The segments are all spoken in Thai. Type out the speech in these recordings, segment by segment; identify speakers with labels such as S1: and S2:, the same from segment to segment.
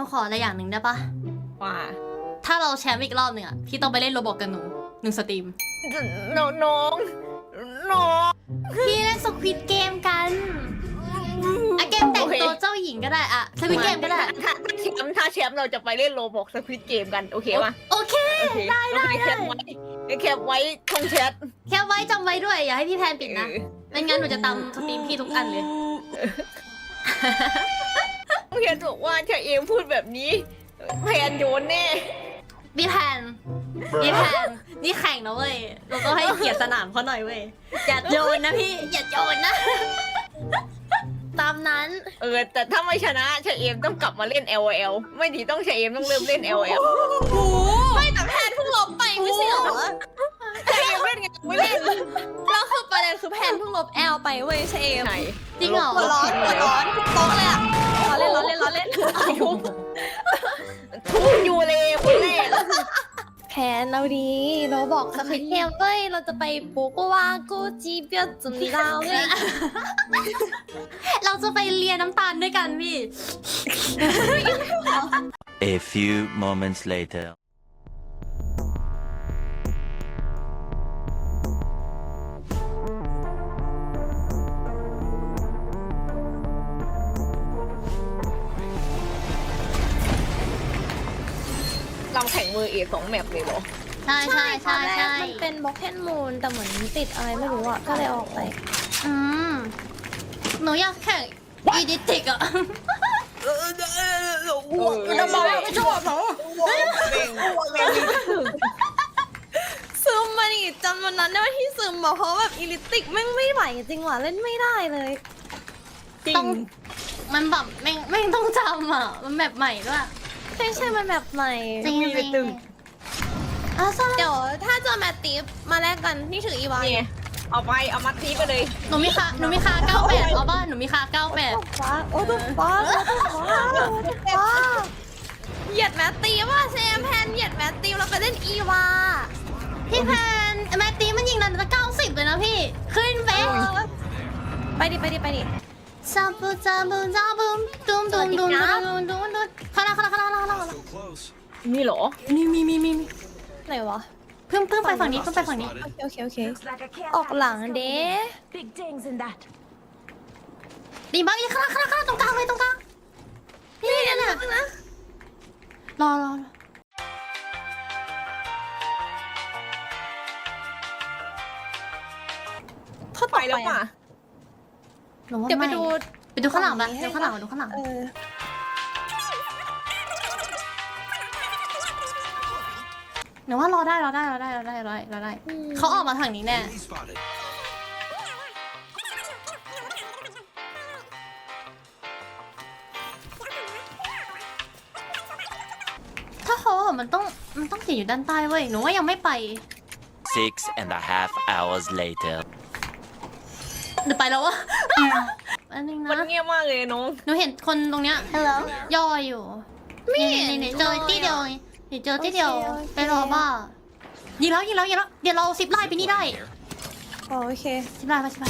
S1: นูขออะไรอย่างหนึ่งได้ปะ
S2: ว่า
S1: ถ้าเราแชมป์อีกรอบหนึ่งอะพี่ต้องไปเล่นโรบอกกับหนู1 สตรีม
S2: น้อง
S1: พี่เล่นสควิดเกมกันอะเกมแต่งตัวเจ้าหญิงก็ได้อะสควิดเกมก็ได้
S2: ถ้าแชมป์เราจะไปเล่นโรบอกสควิดเกมกันโอเคป่ะ
S1: โอเค
S2: โอเค
S1: ได้
S2: แคปไว้แคปไว้ช่องแชท
S1: แค่ไว้จำไว้ด้วยอย่าให้พี่แพนปิดนะไม่งั้นหนูจะตามสตรีมพี่ทุกอันเลย
S2: เพียนบอกว่าถ้าเอมพูดแบบนี้แพนโยนแน่
S1: พี่แพนนี่แข่งนะเว้ยเราต้องให้เกียรติสนามเขาหน่อยเว้ยอย่าโยนนะพี่อย่าโยนนะ ตามนั้น
S2: แต่ถ้าไม่ชนะชาเอมต้องกลับมาเล่น LOL ไม่ดีต้องชาเอมต้องเริ่มเล่น LOL
S1: ไม่แต่แพนเพิ่งลบไปไม่ใช่เหรอ
S2: ชาเอมเล่นไงไม่เล่น
S3: แล้วคือประเด็นคือแพนเพิ่งลบแอลไปเว้ยเชม
S2: ไหน
S1: จริงเหรอ
S3: หัวร้อนทุกโต๊ะเลยอะล้อเล่น
S2: ทุกยูเลยคนแรก
S3: แพนเราดีเราบอกสคริปต์เกมเว้ยเราจะไปปูกว่ากูจีเปียจุนดาวเว้ย
S1: เราจะไปเลียน้ำตาลด้วยกันพี่
S4: A few moments later.
S2: เราแข่งมือเอ2แมปเลยเหรอ
S1: ใช่ใช่ใช่
S3: ตอนแรก
S1: ใช่
S3: มันเป็นบล็อกแคนมูนแต่เหมือนติดอะไรไม่รู้อ่ะก็เลยออกไป
S1: อืมหนูอยากแข่งอีดิติกอะ
S2: เราบอกว่าไม่ชอบเหรอ
S3: ซึมมาดิจำวันนั้นได้ว่าที่ซึมบอกเพราะแบบอีลิติกแม่งไม่ไหวจริงว่ะเล่นไม่ได้เลย
S2: จริ
S1: ต้อง งมันแบบไม่ต้องจำอะมันแบบใหม่ด้วย
S3: ใช่มันแบบใหม่
S1: จริงจริงอ่ะซะ
S3: เดี๋ยวถ้าเจอแมตติฟมาแลกกันนี่ถืออีวา
S2: นี่ไงเอามัดทีไปเลย
S1: หนูมีคา98เอาบ้านหนูมีคา98
S3: ฟ้าโอ้ตุ๊ฟ้าเหยียดแมตติฟว่าเซมแพนเหยียดแมตติฟเราไปเล่นอีวา
S1: พี่แพนแมตตี้มันยิงระดับ90เลยนะพี่ขึ้นเบส
S3: ไปดิ
S1: ซาบูตุ้มข้างหน้า
S2: นี่เหรอ
S1: มี
S3: ไหนวะ
S1: เพิ่มไปฝั่งนี้
S3: โอเคออกหลังเด้
S5: Big dings in that.
S1: ดีมากอีกข้างหน้าตรงกลางเลยตรงกลางนี่เนี่ยรอ
S3: เขา
S2: ไปแล้วป่ะ
S1: เดี๋
S3: เดี๋
S1: ย
S3: ยว ว
S1: ไป
S3: ไป
S1: ดู
S3: ดู
S1: ข้างหลังมาดูข้างหลังหนูว่ารอได้เขาออกมาทางนี้แน่ถ้าเขามันต้องติดอยู่ด้านใต้เว้ยหนูว่ายังไม่ไป
S4: 6.5 hours later.
S1: หรือไปแล้ววะ อันนึง
S2: มัน
S1: นะ
S2: เงียบมากเลยน้อง
S1: หนูเห็นคนตรงเนี้ย
S3: Hello
S1: ย่ออยู่นี่เจอที่เดียวเจอที่เดียวไปรอบ้ายิงแล้วเดี๋ยวเราซิปไลน์ไปนี่ได้
S3: โอเค
S1: ซิปไลน์มา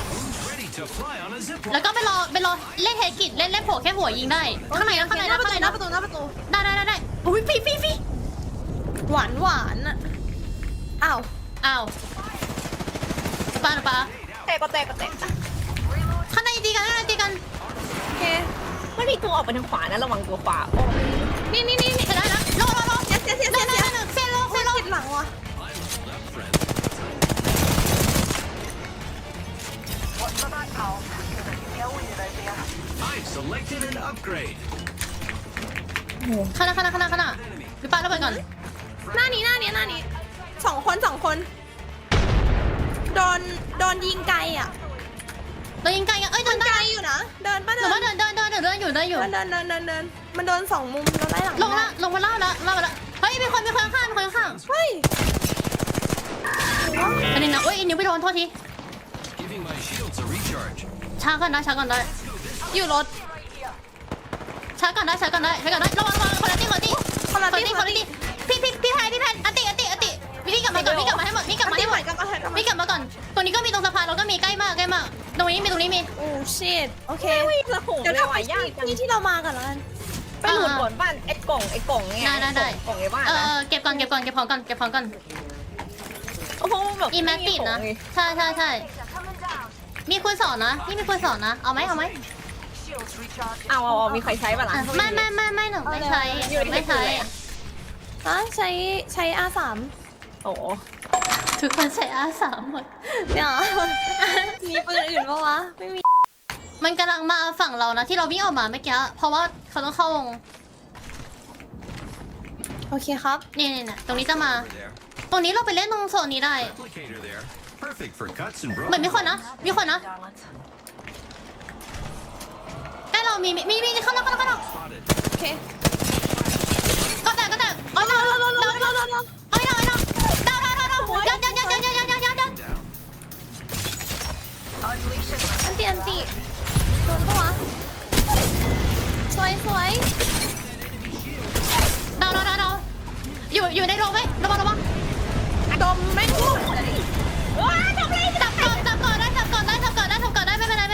S1: แล้วก็ไปรอเล่นเฮกิจเล่นโผล่แค่หัวยิงได้ข้างในนะ
S3: หน้าประตู
S1: ได้อุ้ยฟี
S3: หวานอ่ะอ้าว
S1: อ้าวปา
S2: แต่ก็แตก
S1: ข้างในตีกัน
S3: โอเค
S2: ไม่มีตัวออกไปทางขวานะระวังตัวขวา
S3: นี่
S1: เสร็จแล้วนะรอ
S3: เสีย
S1: เซโล
S3: ติดหลังว่ะ
S1: ข้างหน้าหรือปาระเบิดก่อน
S3: หน้านี้สองคนโดนยิงไกลอ่ะ
S1: เรายิงไกลกันเดิน
S3: ไก
S1: ได้
S3: ลอยู่นะเดินป่ะ
S1: หรือว่าเดินอยู่
S3: เดินมันโดนสองมุมโดนไล่หลัง
S1: ลงมาเล่าแล้วเฮ้ยมีคนข้าง
S3: เฮ้ย
S1: อันนี้นะเอ้ยนิ้วไปโดนโทษทีช้าก่อนได้
S3: อยู่รถ
S1: ช้าก่อนได้ระวังคนละตีพี่แพนอันติวิ่งกลับมาให้หมดวิ่งกลับมาก่อนตรงนี้ก็มีตรงสะพานเราก็มีใกล้มากตรงนี้มี
S3: โอ้ชิตโอเค
S2: ระโหม
S3: เดี๋ยว
S2: เล
S3: เรา
S2: ย
S3: ไป
S2: ว่ะยากจัง
S3: ที่เรามากันแล้วกัน
S2: ไปไปหลุดก่อนบ้านไอ้กล่องเนี่ย
S1: ได้
S2: กล่องไอ้บ้าน
S1: เอ
S2: นะ
S1: อเก็บก่อนเก็บของก่อน
S2: โอ้โหแบบ
S1: อีแม็กติดนะ
S2: ไม่มี
S1: ใช่มีคุณสอนนะนี่มีคุณสอนนะเอาไหม
S2: ของเลยเอามีใครใช้ป่ะล่ะ
S1: ไม่หนูไม่ใช้ไม่ใช้
S3: ใช้ R3
S2: โอ้โห
S1: ทุกคนใช้อาสามหมด
S3: เนี่ยมีปืนอื่นปะวะไม่มี
S1: มันกำลังมาฝั่งเรานะที่เราวิ่งออกมาเมื่อกี้เพราะว่าเขาต้องเข้าวง
S3: โอเคครับ
S1: นี่ตรงนี้จะมา ตรงนี้เราไปเล่นตรงโซนนี้ได้
S6: Replicator there. Perfect for cuts and
S1: เหมือนมีคนนะใกล้เรามีเข้าแล้ว
S6: spotted.
S3: โอเค
S1: ก็แตกเอาดาวดาวยัง
S6: Down.
S3: อันตีโดนปะวะสวย
S1: ดาวอยู่ในโรงไหมระวัง
S2: ดมไม่พูดว้าทำไร
S1: จับก่อนได้ไม่เป็นไร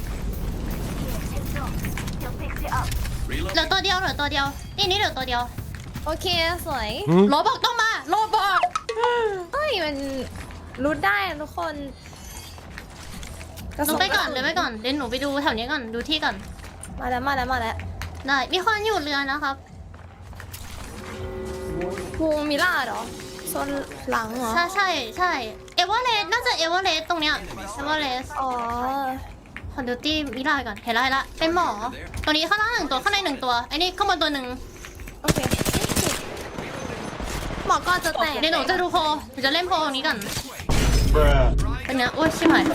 S6: Reload.
S1: เหลือตัวเดียวนี่เหลือตัวเดียว
S3: โอเคสวย
S1: โรบอกต้องมาโรบอก
S3: เฮ้ยมันรู้ได้อะทุกคน
S1: หนูไปก่อนเดี๋ยวหนูไปดูแถวนี้ก่อนดูที่ก่อน
S3: มาแล้ว
S1: ได้มีคนอยู่เรือนะครับ
S3: วงมิล่าเหรอโซนหลังเหรอ
S1: ใช่เอเวอเรสต์น่าจะเอเวอเรสต์ตรงเนี้ยเอเวอเรสต์
S3: อ๋อ
S1: ขอดูตี้มิลาก่อนเห็นละเป็นหมอตรงนี้ข้างล่าง1 ตัวข้างใน1 ตัวไอ้นี่ข้างบนตัวหนึ่ง
S3: โอเคหมอก็จะแตก
S1: เดี๋ยวหนูจะดูโพลหนูจะเล่นโพลตรงนี้ก่อนเป็นเนี้ยโอ้ยชิบหาย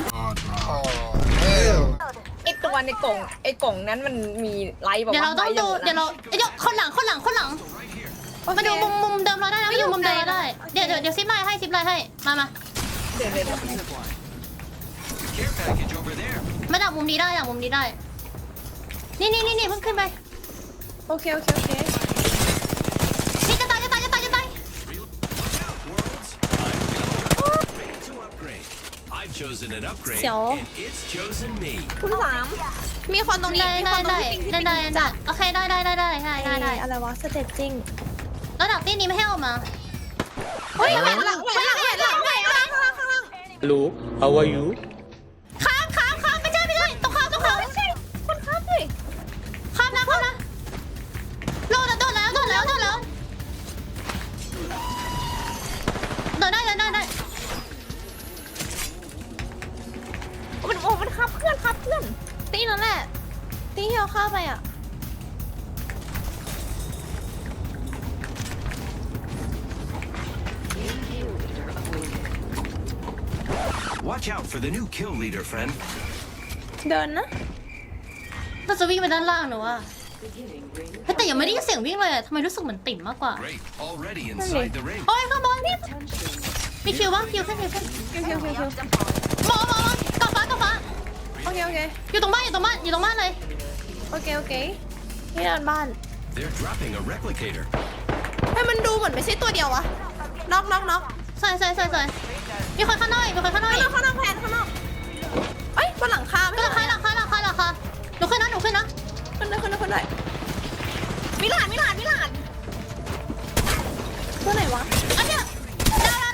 S2: ไอ้ตัวในกล่องนั้นมันมีไลท์แบบ
S1: เดี๋ยวเราต้องดูเดี๋ยวคนหลังมาดูมุมเดิมเราได้นะมาดูมุมเดิมเราได้เดี๋ยวซิปไลน์ให้มา
S2: เดี๋ยว
S6: Care package over there.
S1: มาดักมุมนี้ได้นี่เพิ่งขึ้นไป
S3: โอเค
S1: นี่จะตาย
S6: Watch out, worlds. Ready to upgrade. I've chosen an upgrade,
S3: Xiao.
S6: and it's chosen me.
S2: คุณสาม
S3: มีคนตรงนี้
S1: ได้
S3: มีคนตรงนี้ที่
S1: ได้โอเคได้
S3: อะไรวะสเตจจิ้ง
S1: แล้วดักตี้นี้ไม่ให้ออกมา
S3: เฮ้ยหลัง
S7: Hello, how are you?
S1: ข้ามไม่ใช่ต้องข้ามคนข้ามดิข้ามนะโดนแล้วโดนได้มัน
S2: ขับเพื่อน
S3: ตีนั่นแหละตีที่เราเข้าไปอ่ะ
S6: Watch out for the new kill leader, friend.
S3: เดินนะ
S1: เราจะวิ่งไปด้านล่างหนูว่าแต่ยังไม่ได้ยินเสียงวิ่งเลยอะทำไมรู้สึกเหมือนติ่มมากกว่า
S6: Great, already inside the ring.
S1: โอ้ยข้างบนพี่มีคิวบ้างคิวขึ้น
S3: คิว
S1: หมอกระฟ้า
S3: โอเค
S1: อยู่ตรงบ้านเลย
S3: โอเคนี่เดินบ้าน
S6: They're dropping a replicator.
S3: ให้มันดูเหมือนไม่ใช่ตัวเดียววะน็อก
S1: ใช่มีคนข้างนอก
S3: ข้างนอกแพนข้างนอกเอ้ยบนหลังคาไม่
S1: ก็
S3: ใช่
S1: ราคาหนูขึ้นนะ
S3: ขึ้นได้มิลานตัวไหนวะ
S1: อันเนี้ยดาว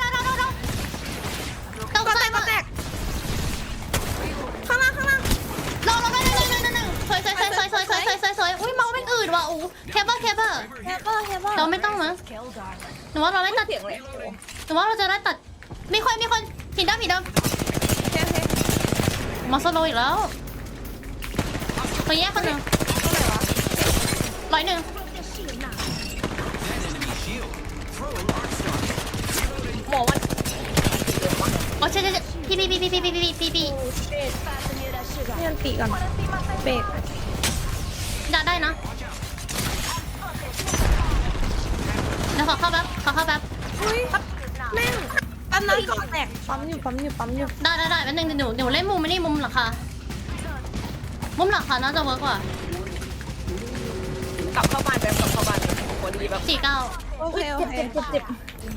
S1: ต้อง
S3: ก็
S1: ใส่
S3: แตกข้างล่าง
S1: ลงได้สวยอุ้ยเมาเป็นอื่นว่ะอู้แคปเปอร์
S3: แฮปเปอร์
S1: เราไม่ต้องมั้งหนูว่าเราไม่ตัด
S2: เสียงเลย
S1: หนูว่าเราจะได้ตัดมีคนผีดำ
S3: โอเค
S1: มาสโลอีกแล้วไปแยกคนหนึ่ง101
S6: That enemy shield. Throwing arc star.
S2: หมอมัน
S1: โอ้ใช่พี่
S3: นี่อันตีก่อนเบรก
S1: ได้นะเดี๋ยวขอเข้าแป๊บ
S3: อุ้ยแม่งอันนั้นก่อนแตกปั๊มอยู่
S1: ได้แป๊บนึงหนูเล่นมุมไม่นี่มุมหลังคาน่าจะเวิร์กกว่าก
S2: ลับเข้าบ้านพอดีแบบ
S1: 49
S3: โอเคเจ็บ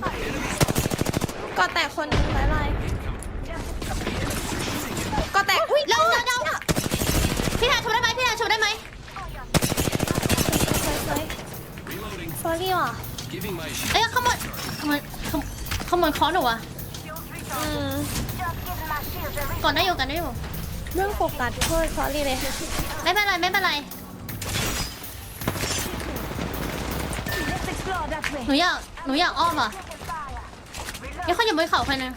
S3: ก็แตกคนนึงไรก็แตกอุ้ย
S1: เร็วพี่แทนชูได้ไหม
S3: สวย
S1: ก่อนได้อยู่กันได้อยู่
S3: เรื่องโฟกัสโทษซอรี่เลย
S1: ไม่เป็นไรไม่เป็นไร
S5: Let's explore that way.
S1: หนูอยากอ้อมอ่ะยังเขาอยู่บนเขาใครนึง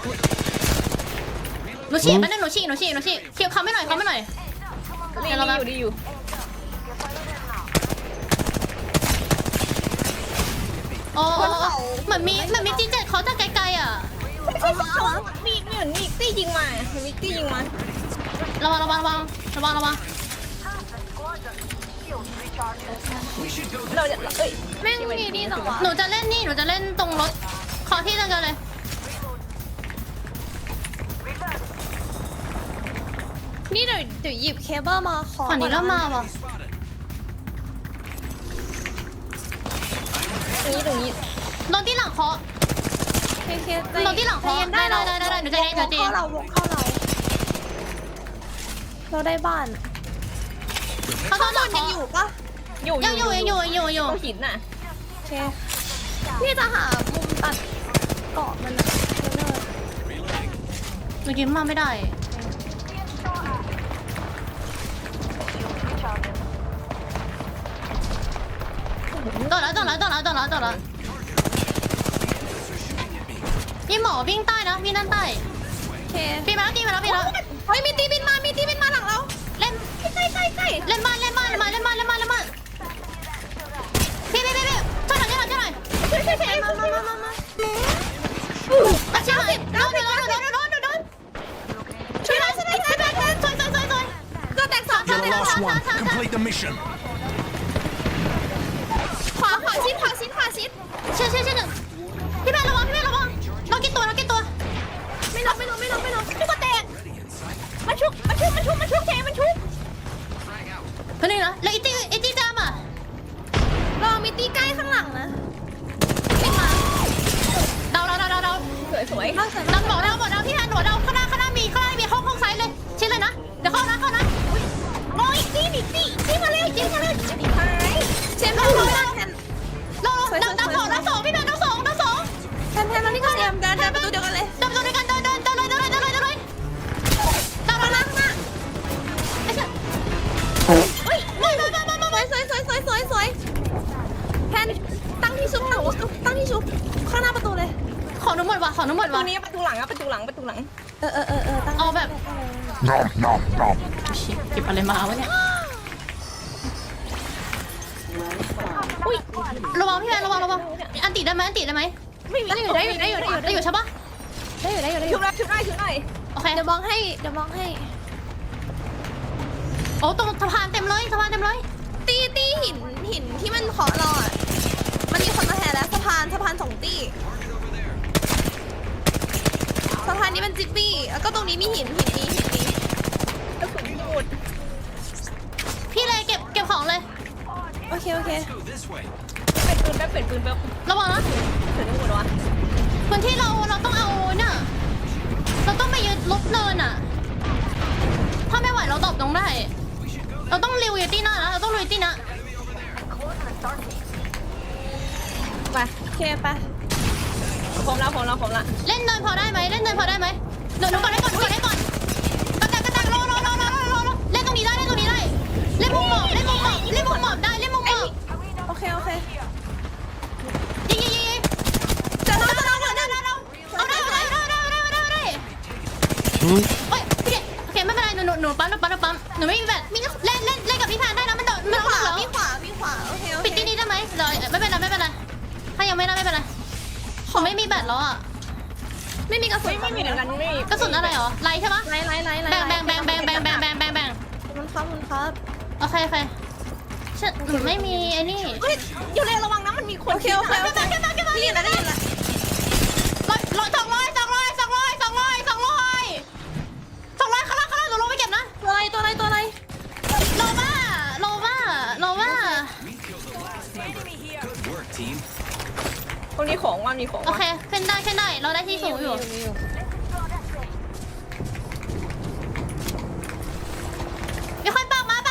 S1: หนูฉีกแป๊บนึงหนูฉีกเคียวเขาไม่หน่อย
S2: ดี
S1: เดี๋ยวเราแบบ
S2: อยู่ดีอยู่
S1: โอ้เหมือนมีจีเจ็ดเขาจากไกลๆอ่ะ
S2: มีเหมือนมีตี้ยิงมามีตี้ยิงมา
S1: ระวัง
S2: เราจะเอ้ย
S3: แม่งมีนี่จังหวะ
S1: หนูจะเล่นตรงรถขอที่เดียวกันเลย
S3: นี่เดี๋ยวหยิบเคเบิลมาขอ
S1: ฝั่งนี้เริ่มมาว่ะ
S2: ตรงนี้
S1: โดนที่หลังเคาะ
S3: เค
S1: เราที่หลังขอได้หนูจะเล่น
S3: วงเข้าเราเราได้บ้าน
S1: เขาโดนหลัง
S3: ยัง
S1: เคาะ
S3: อยู่ปะ
S2: อยู่
S1: ยังอยู่
S2: เขาหินน่ะ
S3: โอเคพี่จะหามุมตัดเกาะมันอะ
S1: หนูยิ้มมาไม่ได้ต่อแล้วพี่หมอวิ่งใต้นะพี่นั่นใต้
S3: โอเค
S1: พี่มาแล้ว
S3: เฮ้ยมีตีบินมาหลังเรา
S1: เล่น
S3: ใกล้
S1: เล่นบ้านพี่ช่วยหน่อยช่วยหน่อย
S3: มา
S1: อาชีพโดนช่วยหน่อยช่วยก็แตกสอง
S6: You're the last one. Complete the mission.
S3: ขวาชิด
S1: เชื่อหนึ่งพี่แม่ระวังเรากี่ตัว
S3: ไม่ลงพี่ก็แตก
S2: มันชุบเทมันชุบ
S1: เพื่อนนี่นะแล้วอีจี้จามอ่ะ
S3: เรามีตีใกล้ข้างหลังนะไม่มา
S1: เดา
S2: สวย
S3: เราใส่
S1: เราบอกพี่แทนหนูเดาข้างหน้ามีห้องซ้ายเลยชิ้นเลยนะเดี๋ยวเข้านะ
S3: โอ้ยตีมาเร็ว
S2: ๆท้าย
S3: เชมป์เรา
S1: เราดังสองพี่แม่ดังสอง
S3: แทนเรานี่ก็เตรียมเดินประตูเดียวกันเลย
S1: เดินด้วยกันเดินเลยดังแล้วนะไอ้เชี่ยเฮ้ยมา
S3: สวยแทนตั้งที่ชุบข้างหน้าประตูเลย
S1: ของหนูหมดว่ะ
S2: ตัวนี้ประตูหลังตั้ง
S3: ตั้ง
S1: เอาแบบเก็บอะไรมาวะเนี่ยอุ้ยระวังพี่แมนระวังอันติได้ไหม
S2: ไม่มี
S3: ได้อยู่ใช่ปะได้อยู่
S2: ชุบได้
S1: โอเค
S3: เดี๋ยวมองให้
S1: โอ้ตรงสะพานเต็มเลย
S3: ตีหินที่มันขอเราอ่ะมันมีคนมาแทนแล้วสะพานสองตีสะพานนี้มันจิปปี้แล้วก็ตรงนี้มีหินนี้
S2: กระสุนหมด
S1: พี่เลยเก็บของเลย
S3: โอเค
S6: Go this way.
S2: เป็นปืนแบบ
S1: ระวังนะ
S2: ถึงหมดวะ
S1: พื้นที่เราต้องเอาเนี่ยเราต้องไปยึดลบเนินอ่ะถ้าไม่ไหวเราตอบตรงได้ เราต้องริวอยู่ที่หน้านะเราต้องลุยที่หน้า
S2: ไป
S3: โอเคไป
S2: พร้อมแล้ว
S1: เล่นเนินพอได้ไหมหนูก่อนได้ก่อนกระแตกรอเล่นตรงนี้ได้เล่นมุมหมอบได้เล่นมุมหมอบ
S3: โอเค
S1: ยิง
S3: จะเรา
S1: เอาได้โอ้ยพี่เด็กโอเคไม่เป็นไรหนูปั๊มหนูไม่มีแบตเล่นกับพี่แพนได้นะมันโดด
S3: มี
S1: มัน
S3: ข
S1: ต้อง
S3: วา
S1: เหรอ
S3: มีขวาโอเค
S1: ปิดที่นี่ได้ไหมเราไม่เป็นไรถ้ายังไม่ได้ไม่เป็นไรผมไม่มีแบตแล้วอ่ะ
S3: ไม่มีกระสุน
S2: ไม่มีเหมือนกันไม่มี
S1: กระสุนอะไรหรอไลใช่ปะ
S3: ไล่
S1: แบ่ง
S3: มันครับ
S1: โอเคฉันหนูไม่มีไอ้นี่
S2: เฮ้ยอยู่เลยระวังนะมันมีคน
S3: โอเคได้ยินแล้ว
S1: 200ข้างล่างหนูลงไปเก็บนะ
S3: ตัวอะไร
S1: โลมา
S6: We killed the last member. Good work, team.
S2: ตรงนี้ของว่ามีของ
S1: โอเคขึ้นได้เราได้ที่สูงอยู่มีคนปักมาโล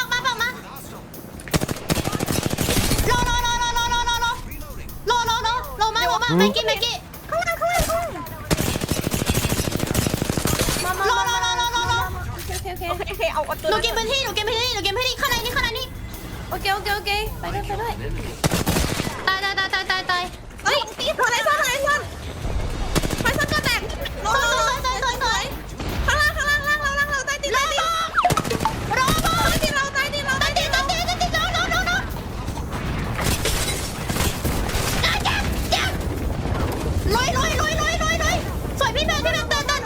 S1: มาเมื่อกี้ข้างล่าง
S2: ให้เอาตัว
S1: หนูเก็บพื้นที่ข้างในนี่
S3: โอเคไปด้วย
S1: ตาย
S2: เฮ้ยตีตัวไหนซ่อนไปซ่อนก็แตกลงข้างล่างเราใต้ตีนรอใต้ตีนเรา
S1: ลอยสวยพี่แพนเตือนตัวท้าย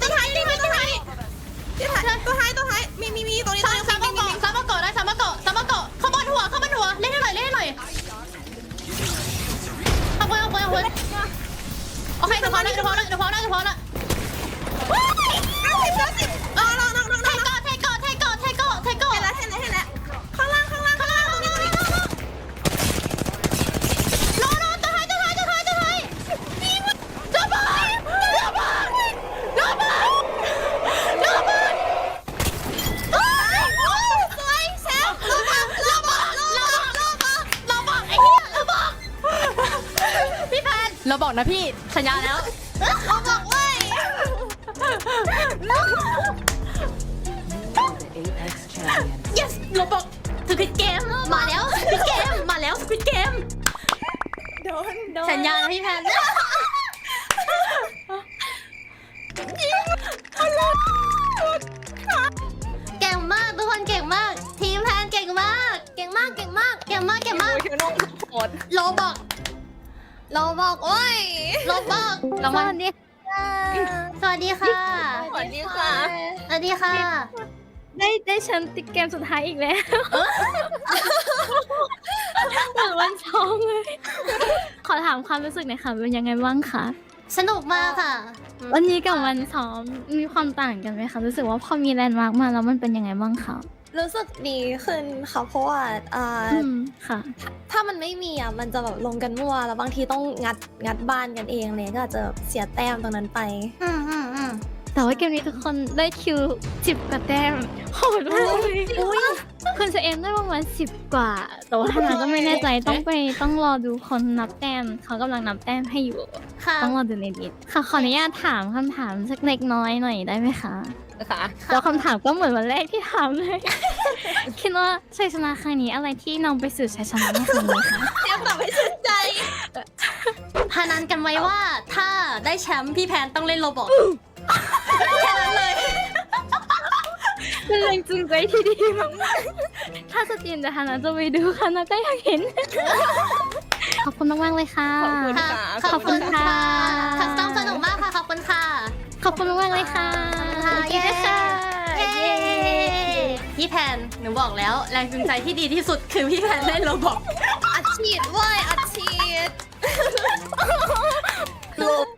S2: มีตรงนี้
S1: ซ้ำมาเกาะข้างบนหัวเล่นให้หน่อยเอาไว้โอเคเดี๋ยวพอละเทเกาะเทเกาะเทเกาะ
S2: เห็นแล้วข้างล่างตรงนี้
S1: รอตัวท้ายระเบิด
S2: สวยแซมระเบิด
S1: ไอ้เหี้ยเราบอกพี่แพนเราบอกนะพี่สัญญาแล้ว
S2: เราบอกเว้ย
S1: yes เราบอกสควิดเกมมาแล้วสควิดเกม
S2: โดน
S1: สัญญานะพี่แพนเก่งมากทุกคนเก่งมากทีมแพนเก่งมาก
S2: โอ้ยเธอน้องโหด
S1: เราบอก
S3: โอ้ย
S1: เราบอกเรา
S3: ส
S1: มา
S3: วัสดีค่ะ
S1: สวัสดีค่ะ
S2: สวัสดีค่ะ
S1: สวัสดีค่ะ
S3: ได้แชมป์ติดเกมสุดท้ายอีกแล้วเหมือนวันซ้อมเลย ขอถามความรู้สึกหน่อยค่ะเป็นยังไงบ้างคะ
S1: สนุกมากค่ะ
S3: วันนี้กับวันซ้อมมีความต่างกันไหมคะรู้สึกว่าพอมีแลนด์มาร์กมาแล้วมันเป็นยังไงบ้างคะ
S8: รู้สึกดีขึ้นค่ะเพราะว่า
S3: ค่ะ
S8: ถ้ามันไม่มีอ่ะมันจะแบบลงกันมั่วแล้วบางทีต้องงัดบ้านกันเองเลยก็อาจจะเสียแต้มตรงนั้นไป
S3: แต่ว่าเกมนี้ทุกคนได้คิว10 กว่าแต้มโหดมากเลยคุณจะเอ็มได้ประมาณ10 กว่า แต่ว่าทางนั้นก็ไม่แน่ใจต้องรอดูคนนับแต้มเขากำลังนับแต้มให้อยู่
S1: ค่ะ
S3: ต้องรอดูในดิสค่ะขออนุญาตถามคำถามสักเล็กน้อยหน่อยได้ไหมคะ
S2: ค่ะ
S3: แล้วคำถามก็เหมือนวันแรกที่ถามเลย คิดว่าชัยชนะครั้งนี้อะไรที่นำไปสู่ชัยชนะในครั้งนี้คะ
S2: เตรียมตอบให้ชื่นใจ
S1: พานันกันไว้ว่าถ้าได้แชมป์พี่แพนต้องเล่นโรบอทแค่นั้นเลย
S3: เป็นแรงจูงใจที่ดีมากถ้าสตรีมจะฮานะจะไปดูค่ะนะก็อยากเห็น ขอบคุณมากๆเลยค่ะ
S2: ขอบคุณค่ะ
S1: คัสตอมสนุกมากค่ะขอบคุณค่ะ
S3: ขอบคุณมากๆเลยค่ะ
S1: เย้ค่ะพี่แพนหนูบอกแล้วแรงจูงใจที่ดีที่สุดคือพี่แพนเล่นโรบอท
S8: อัดฉีดเว้ยอัดฉีด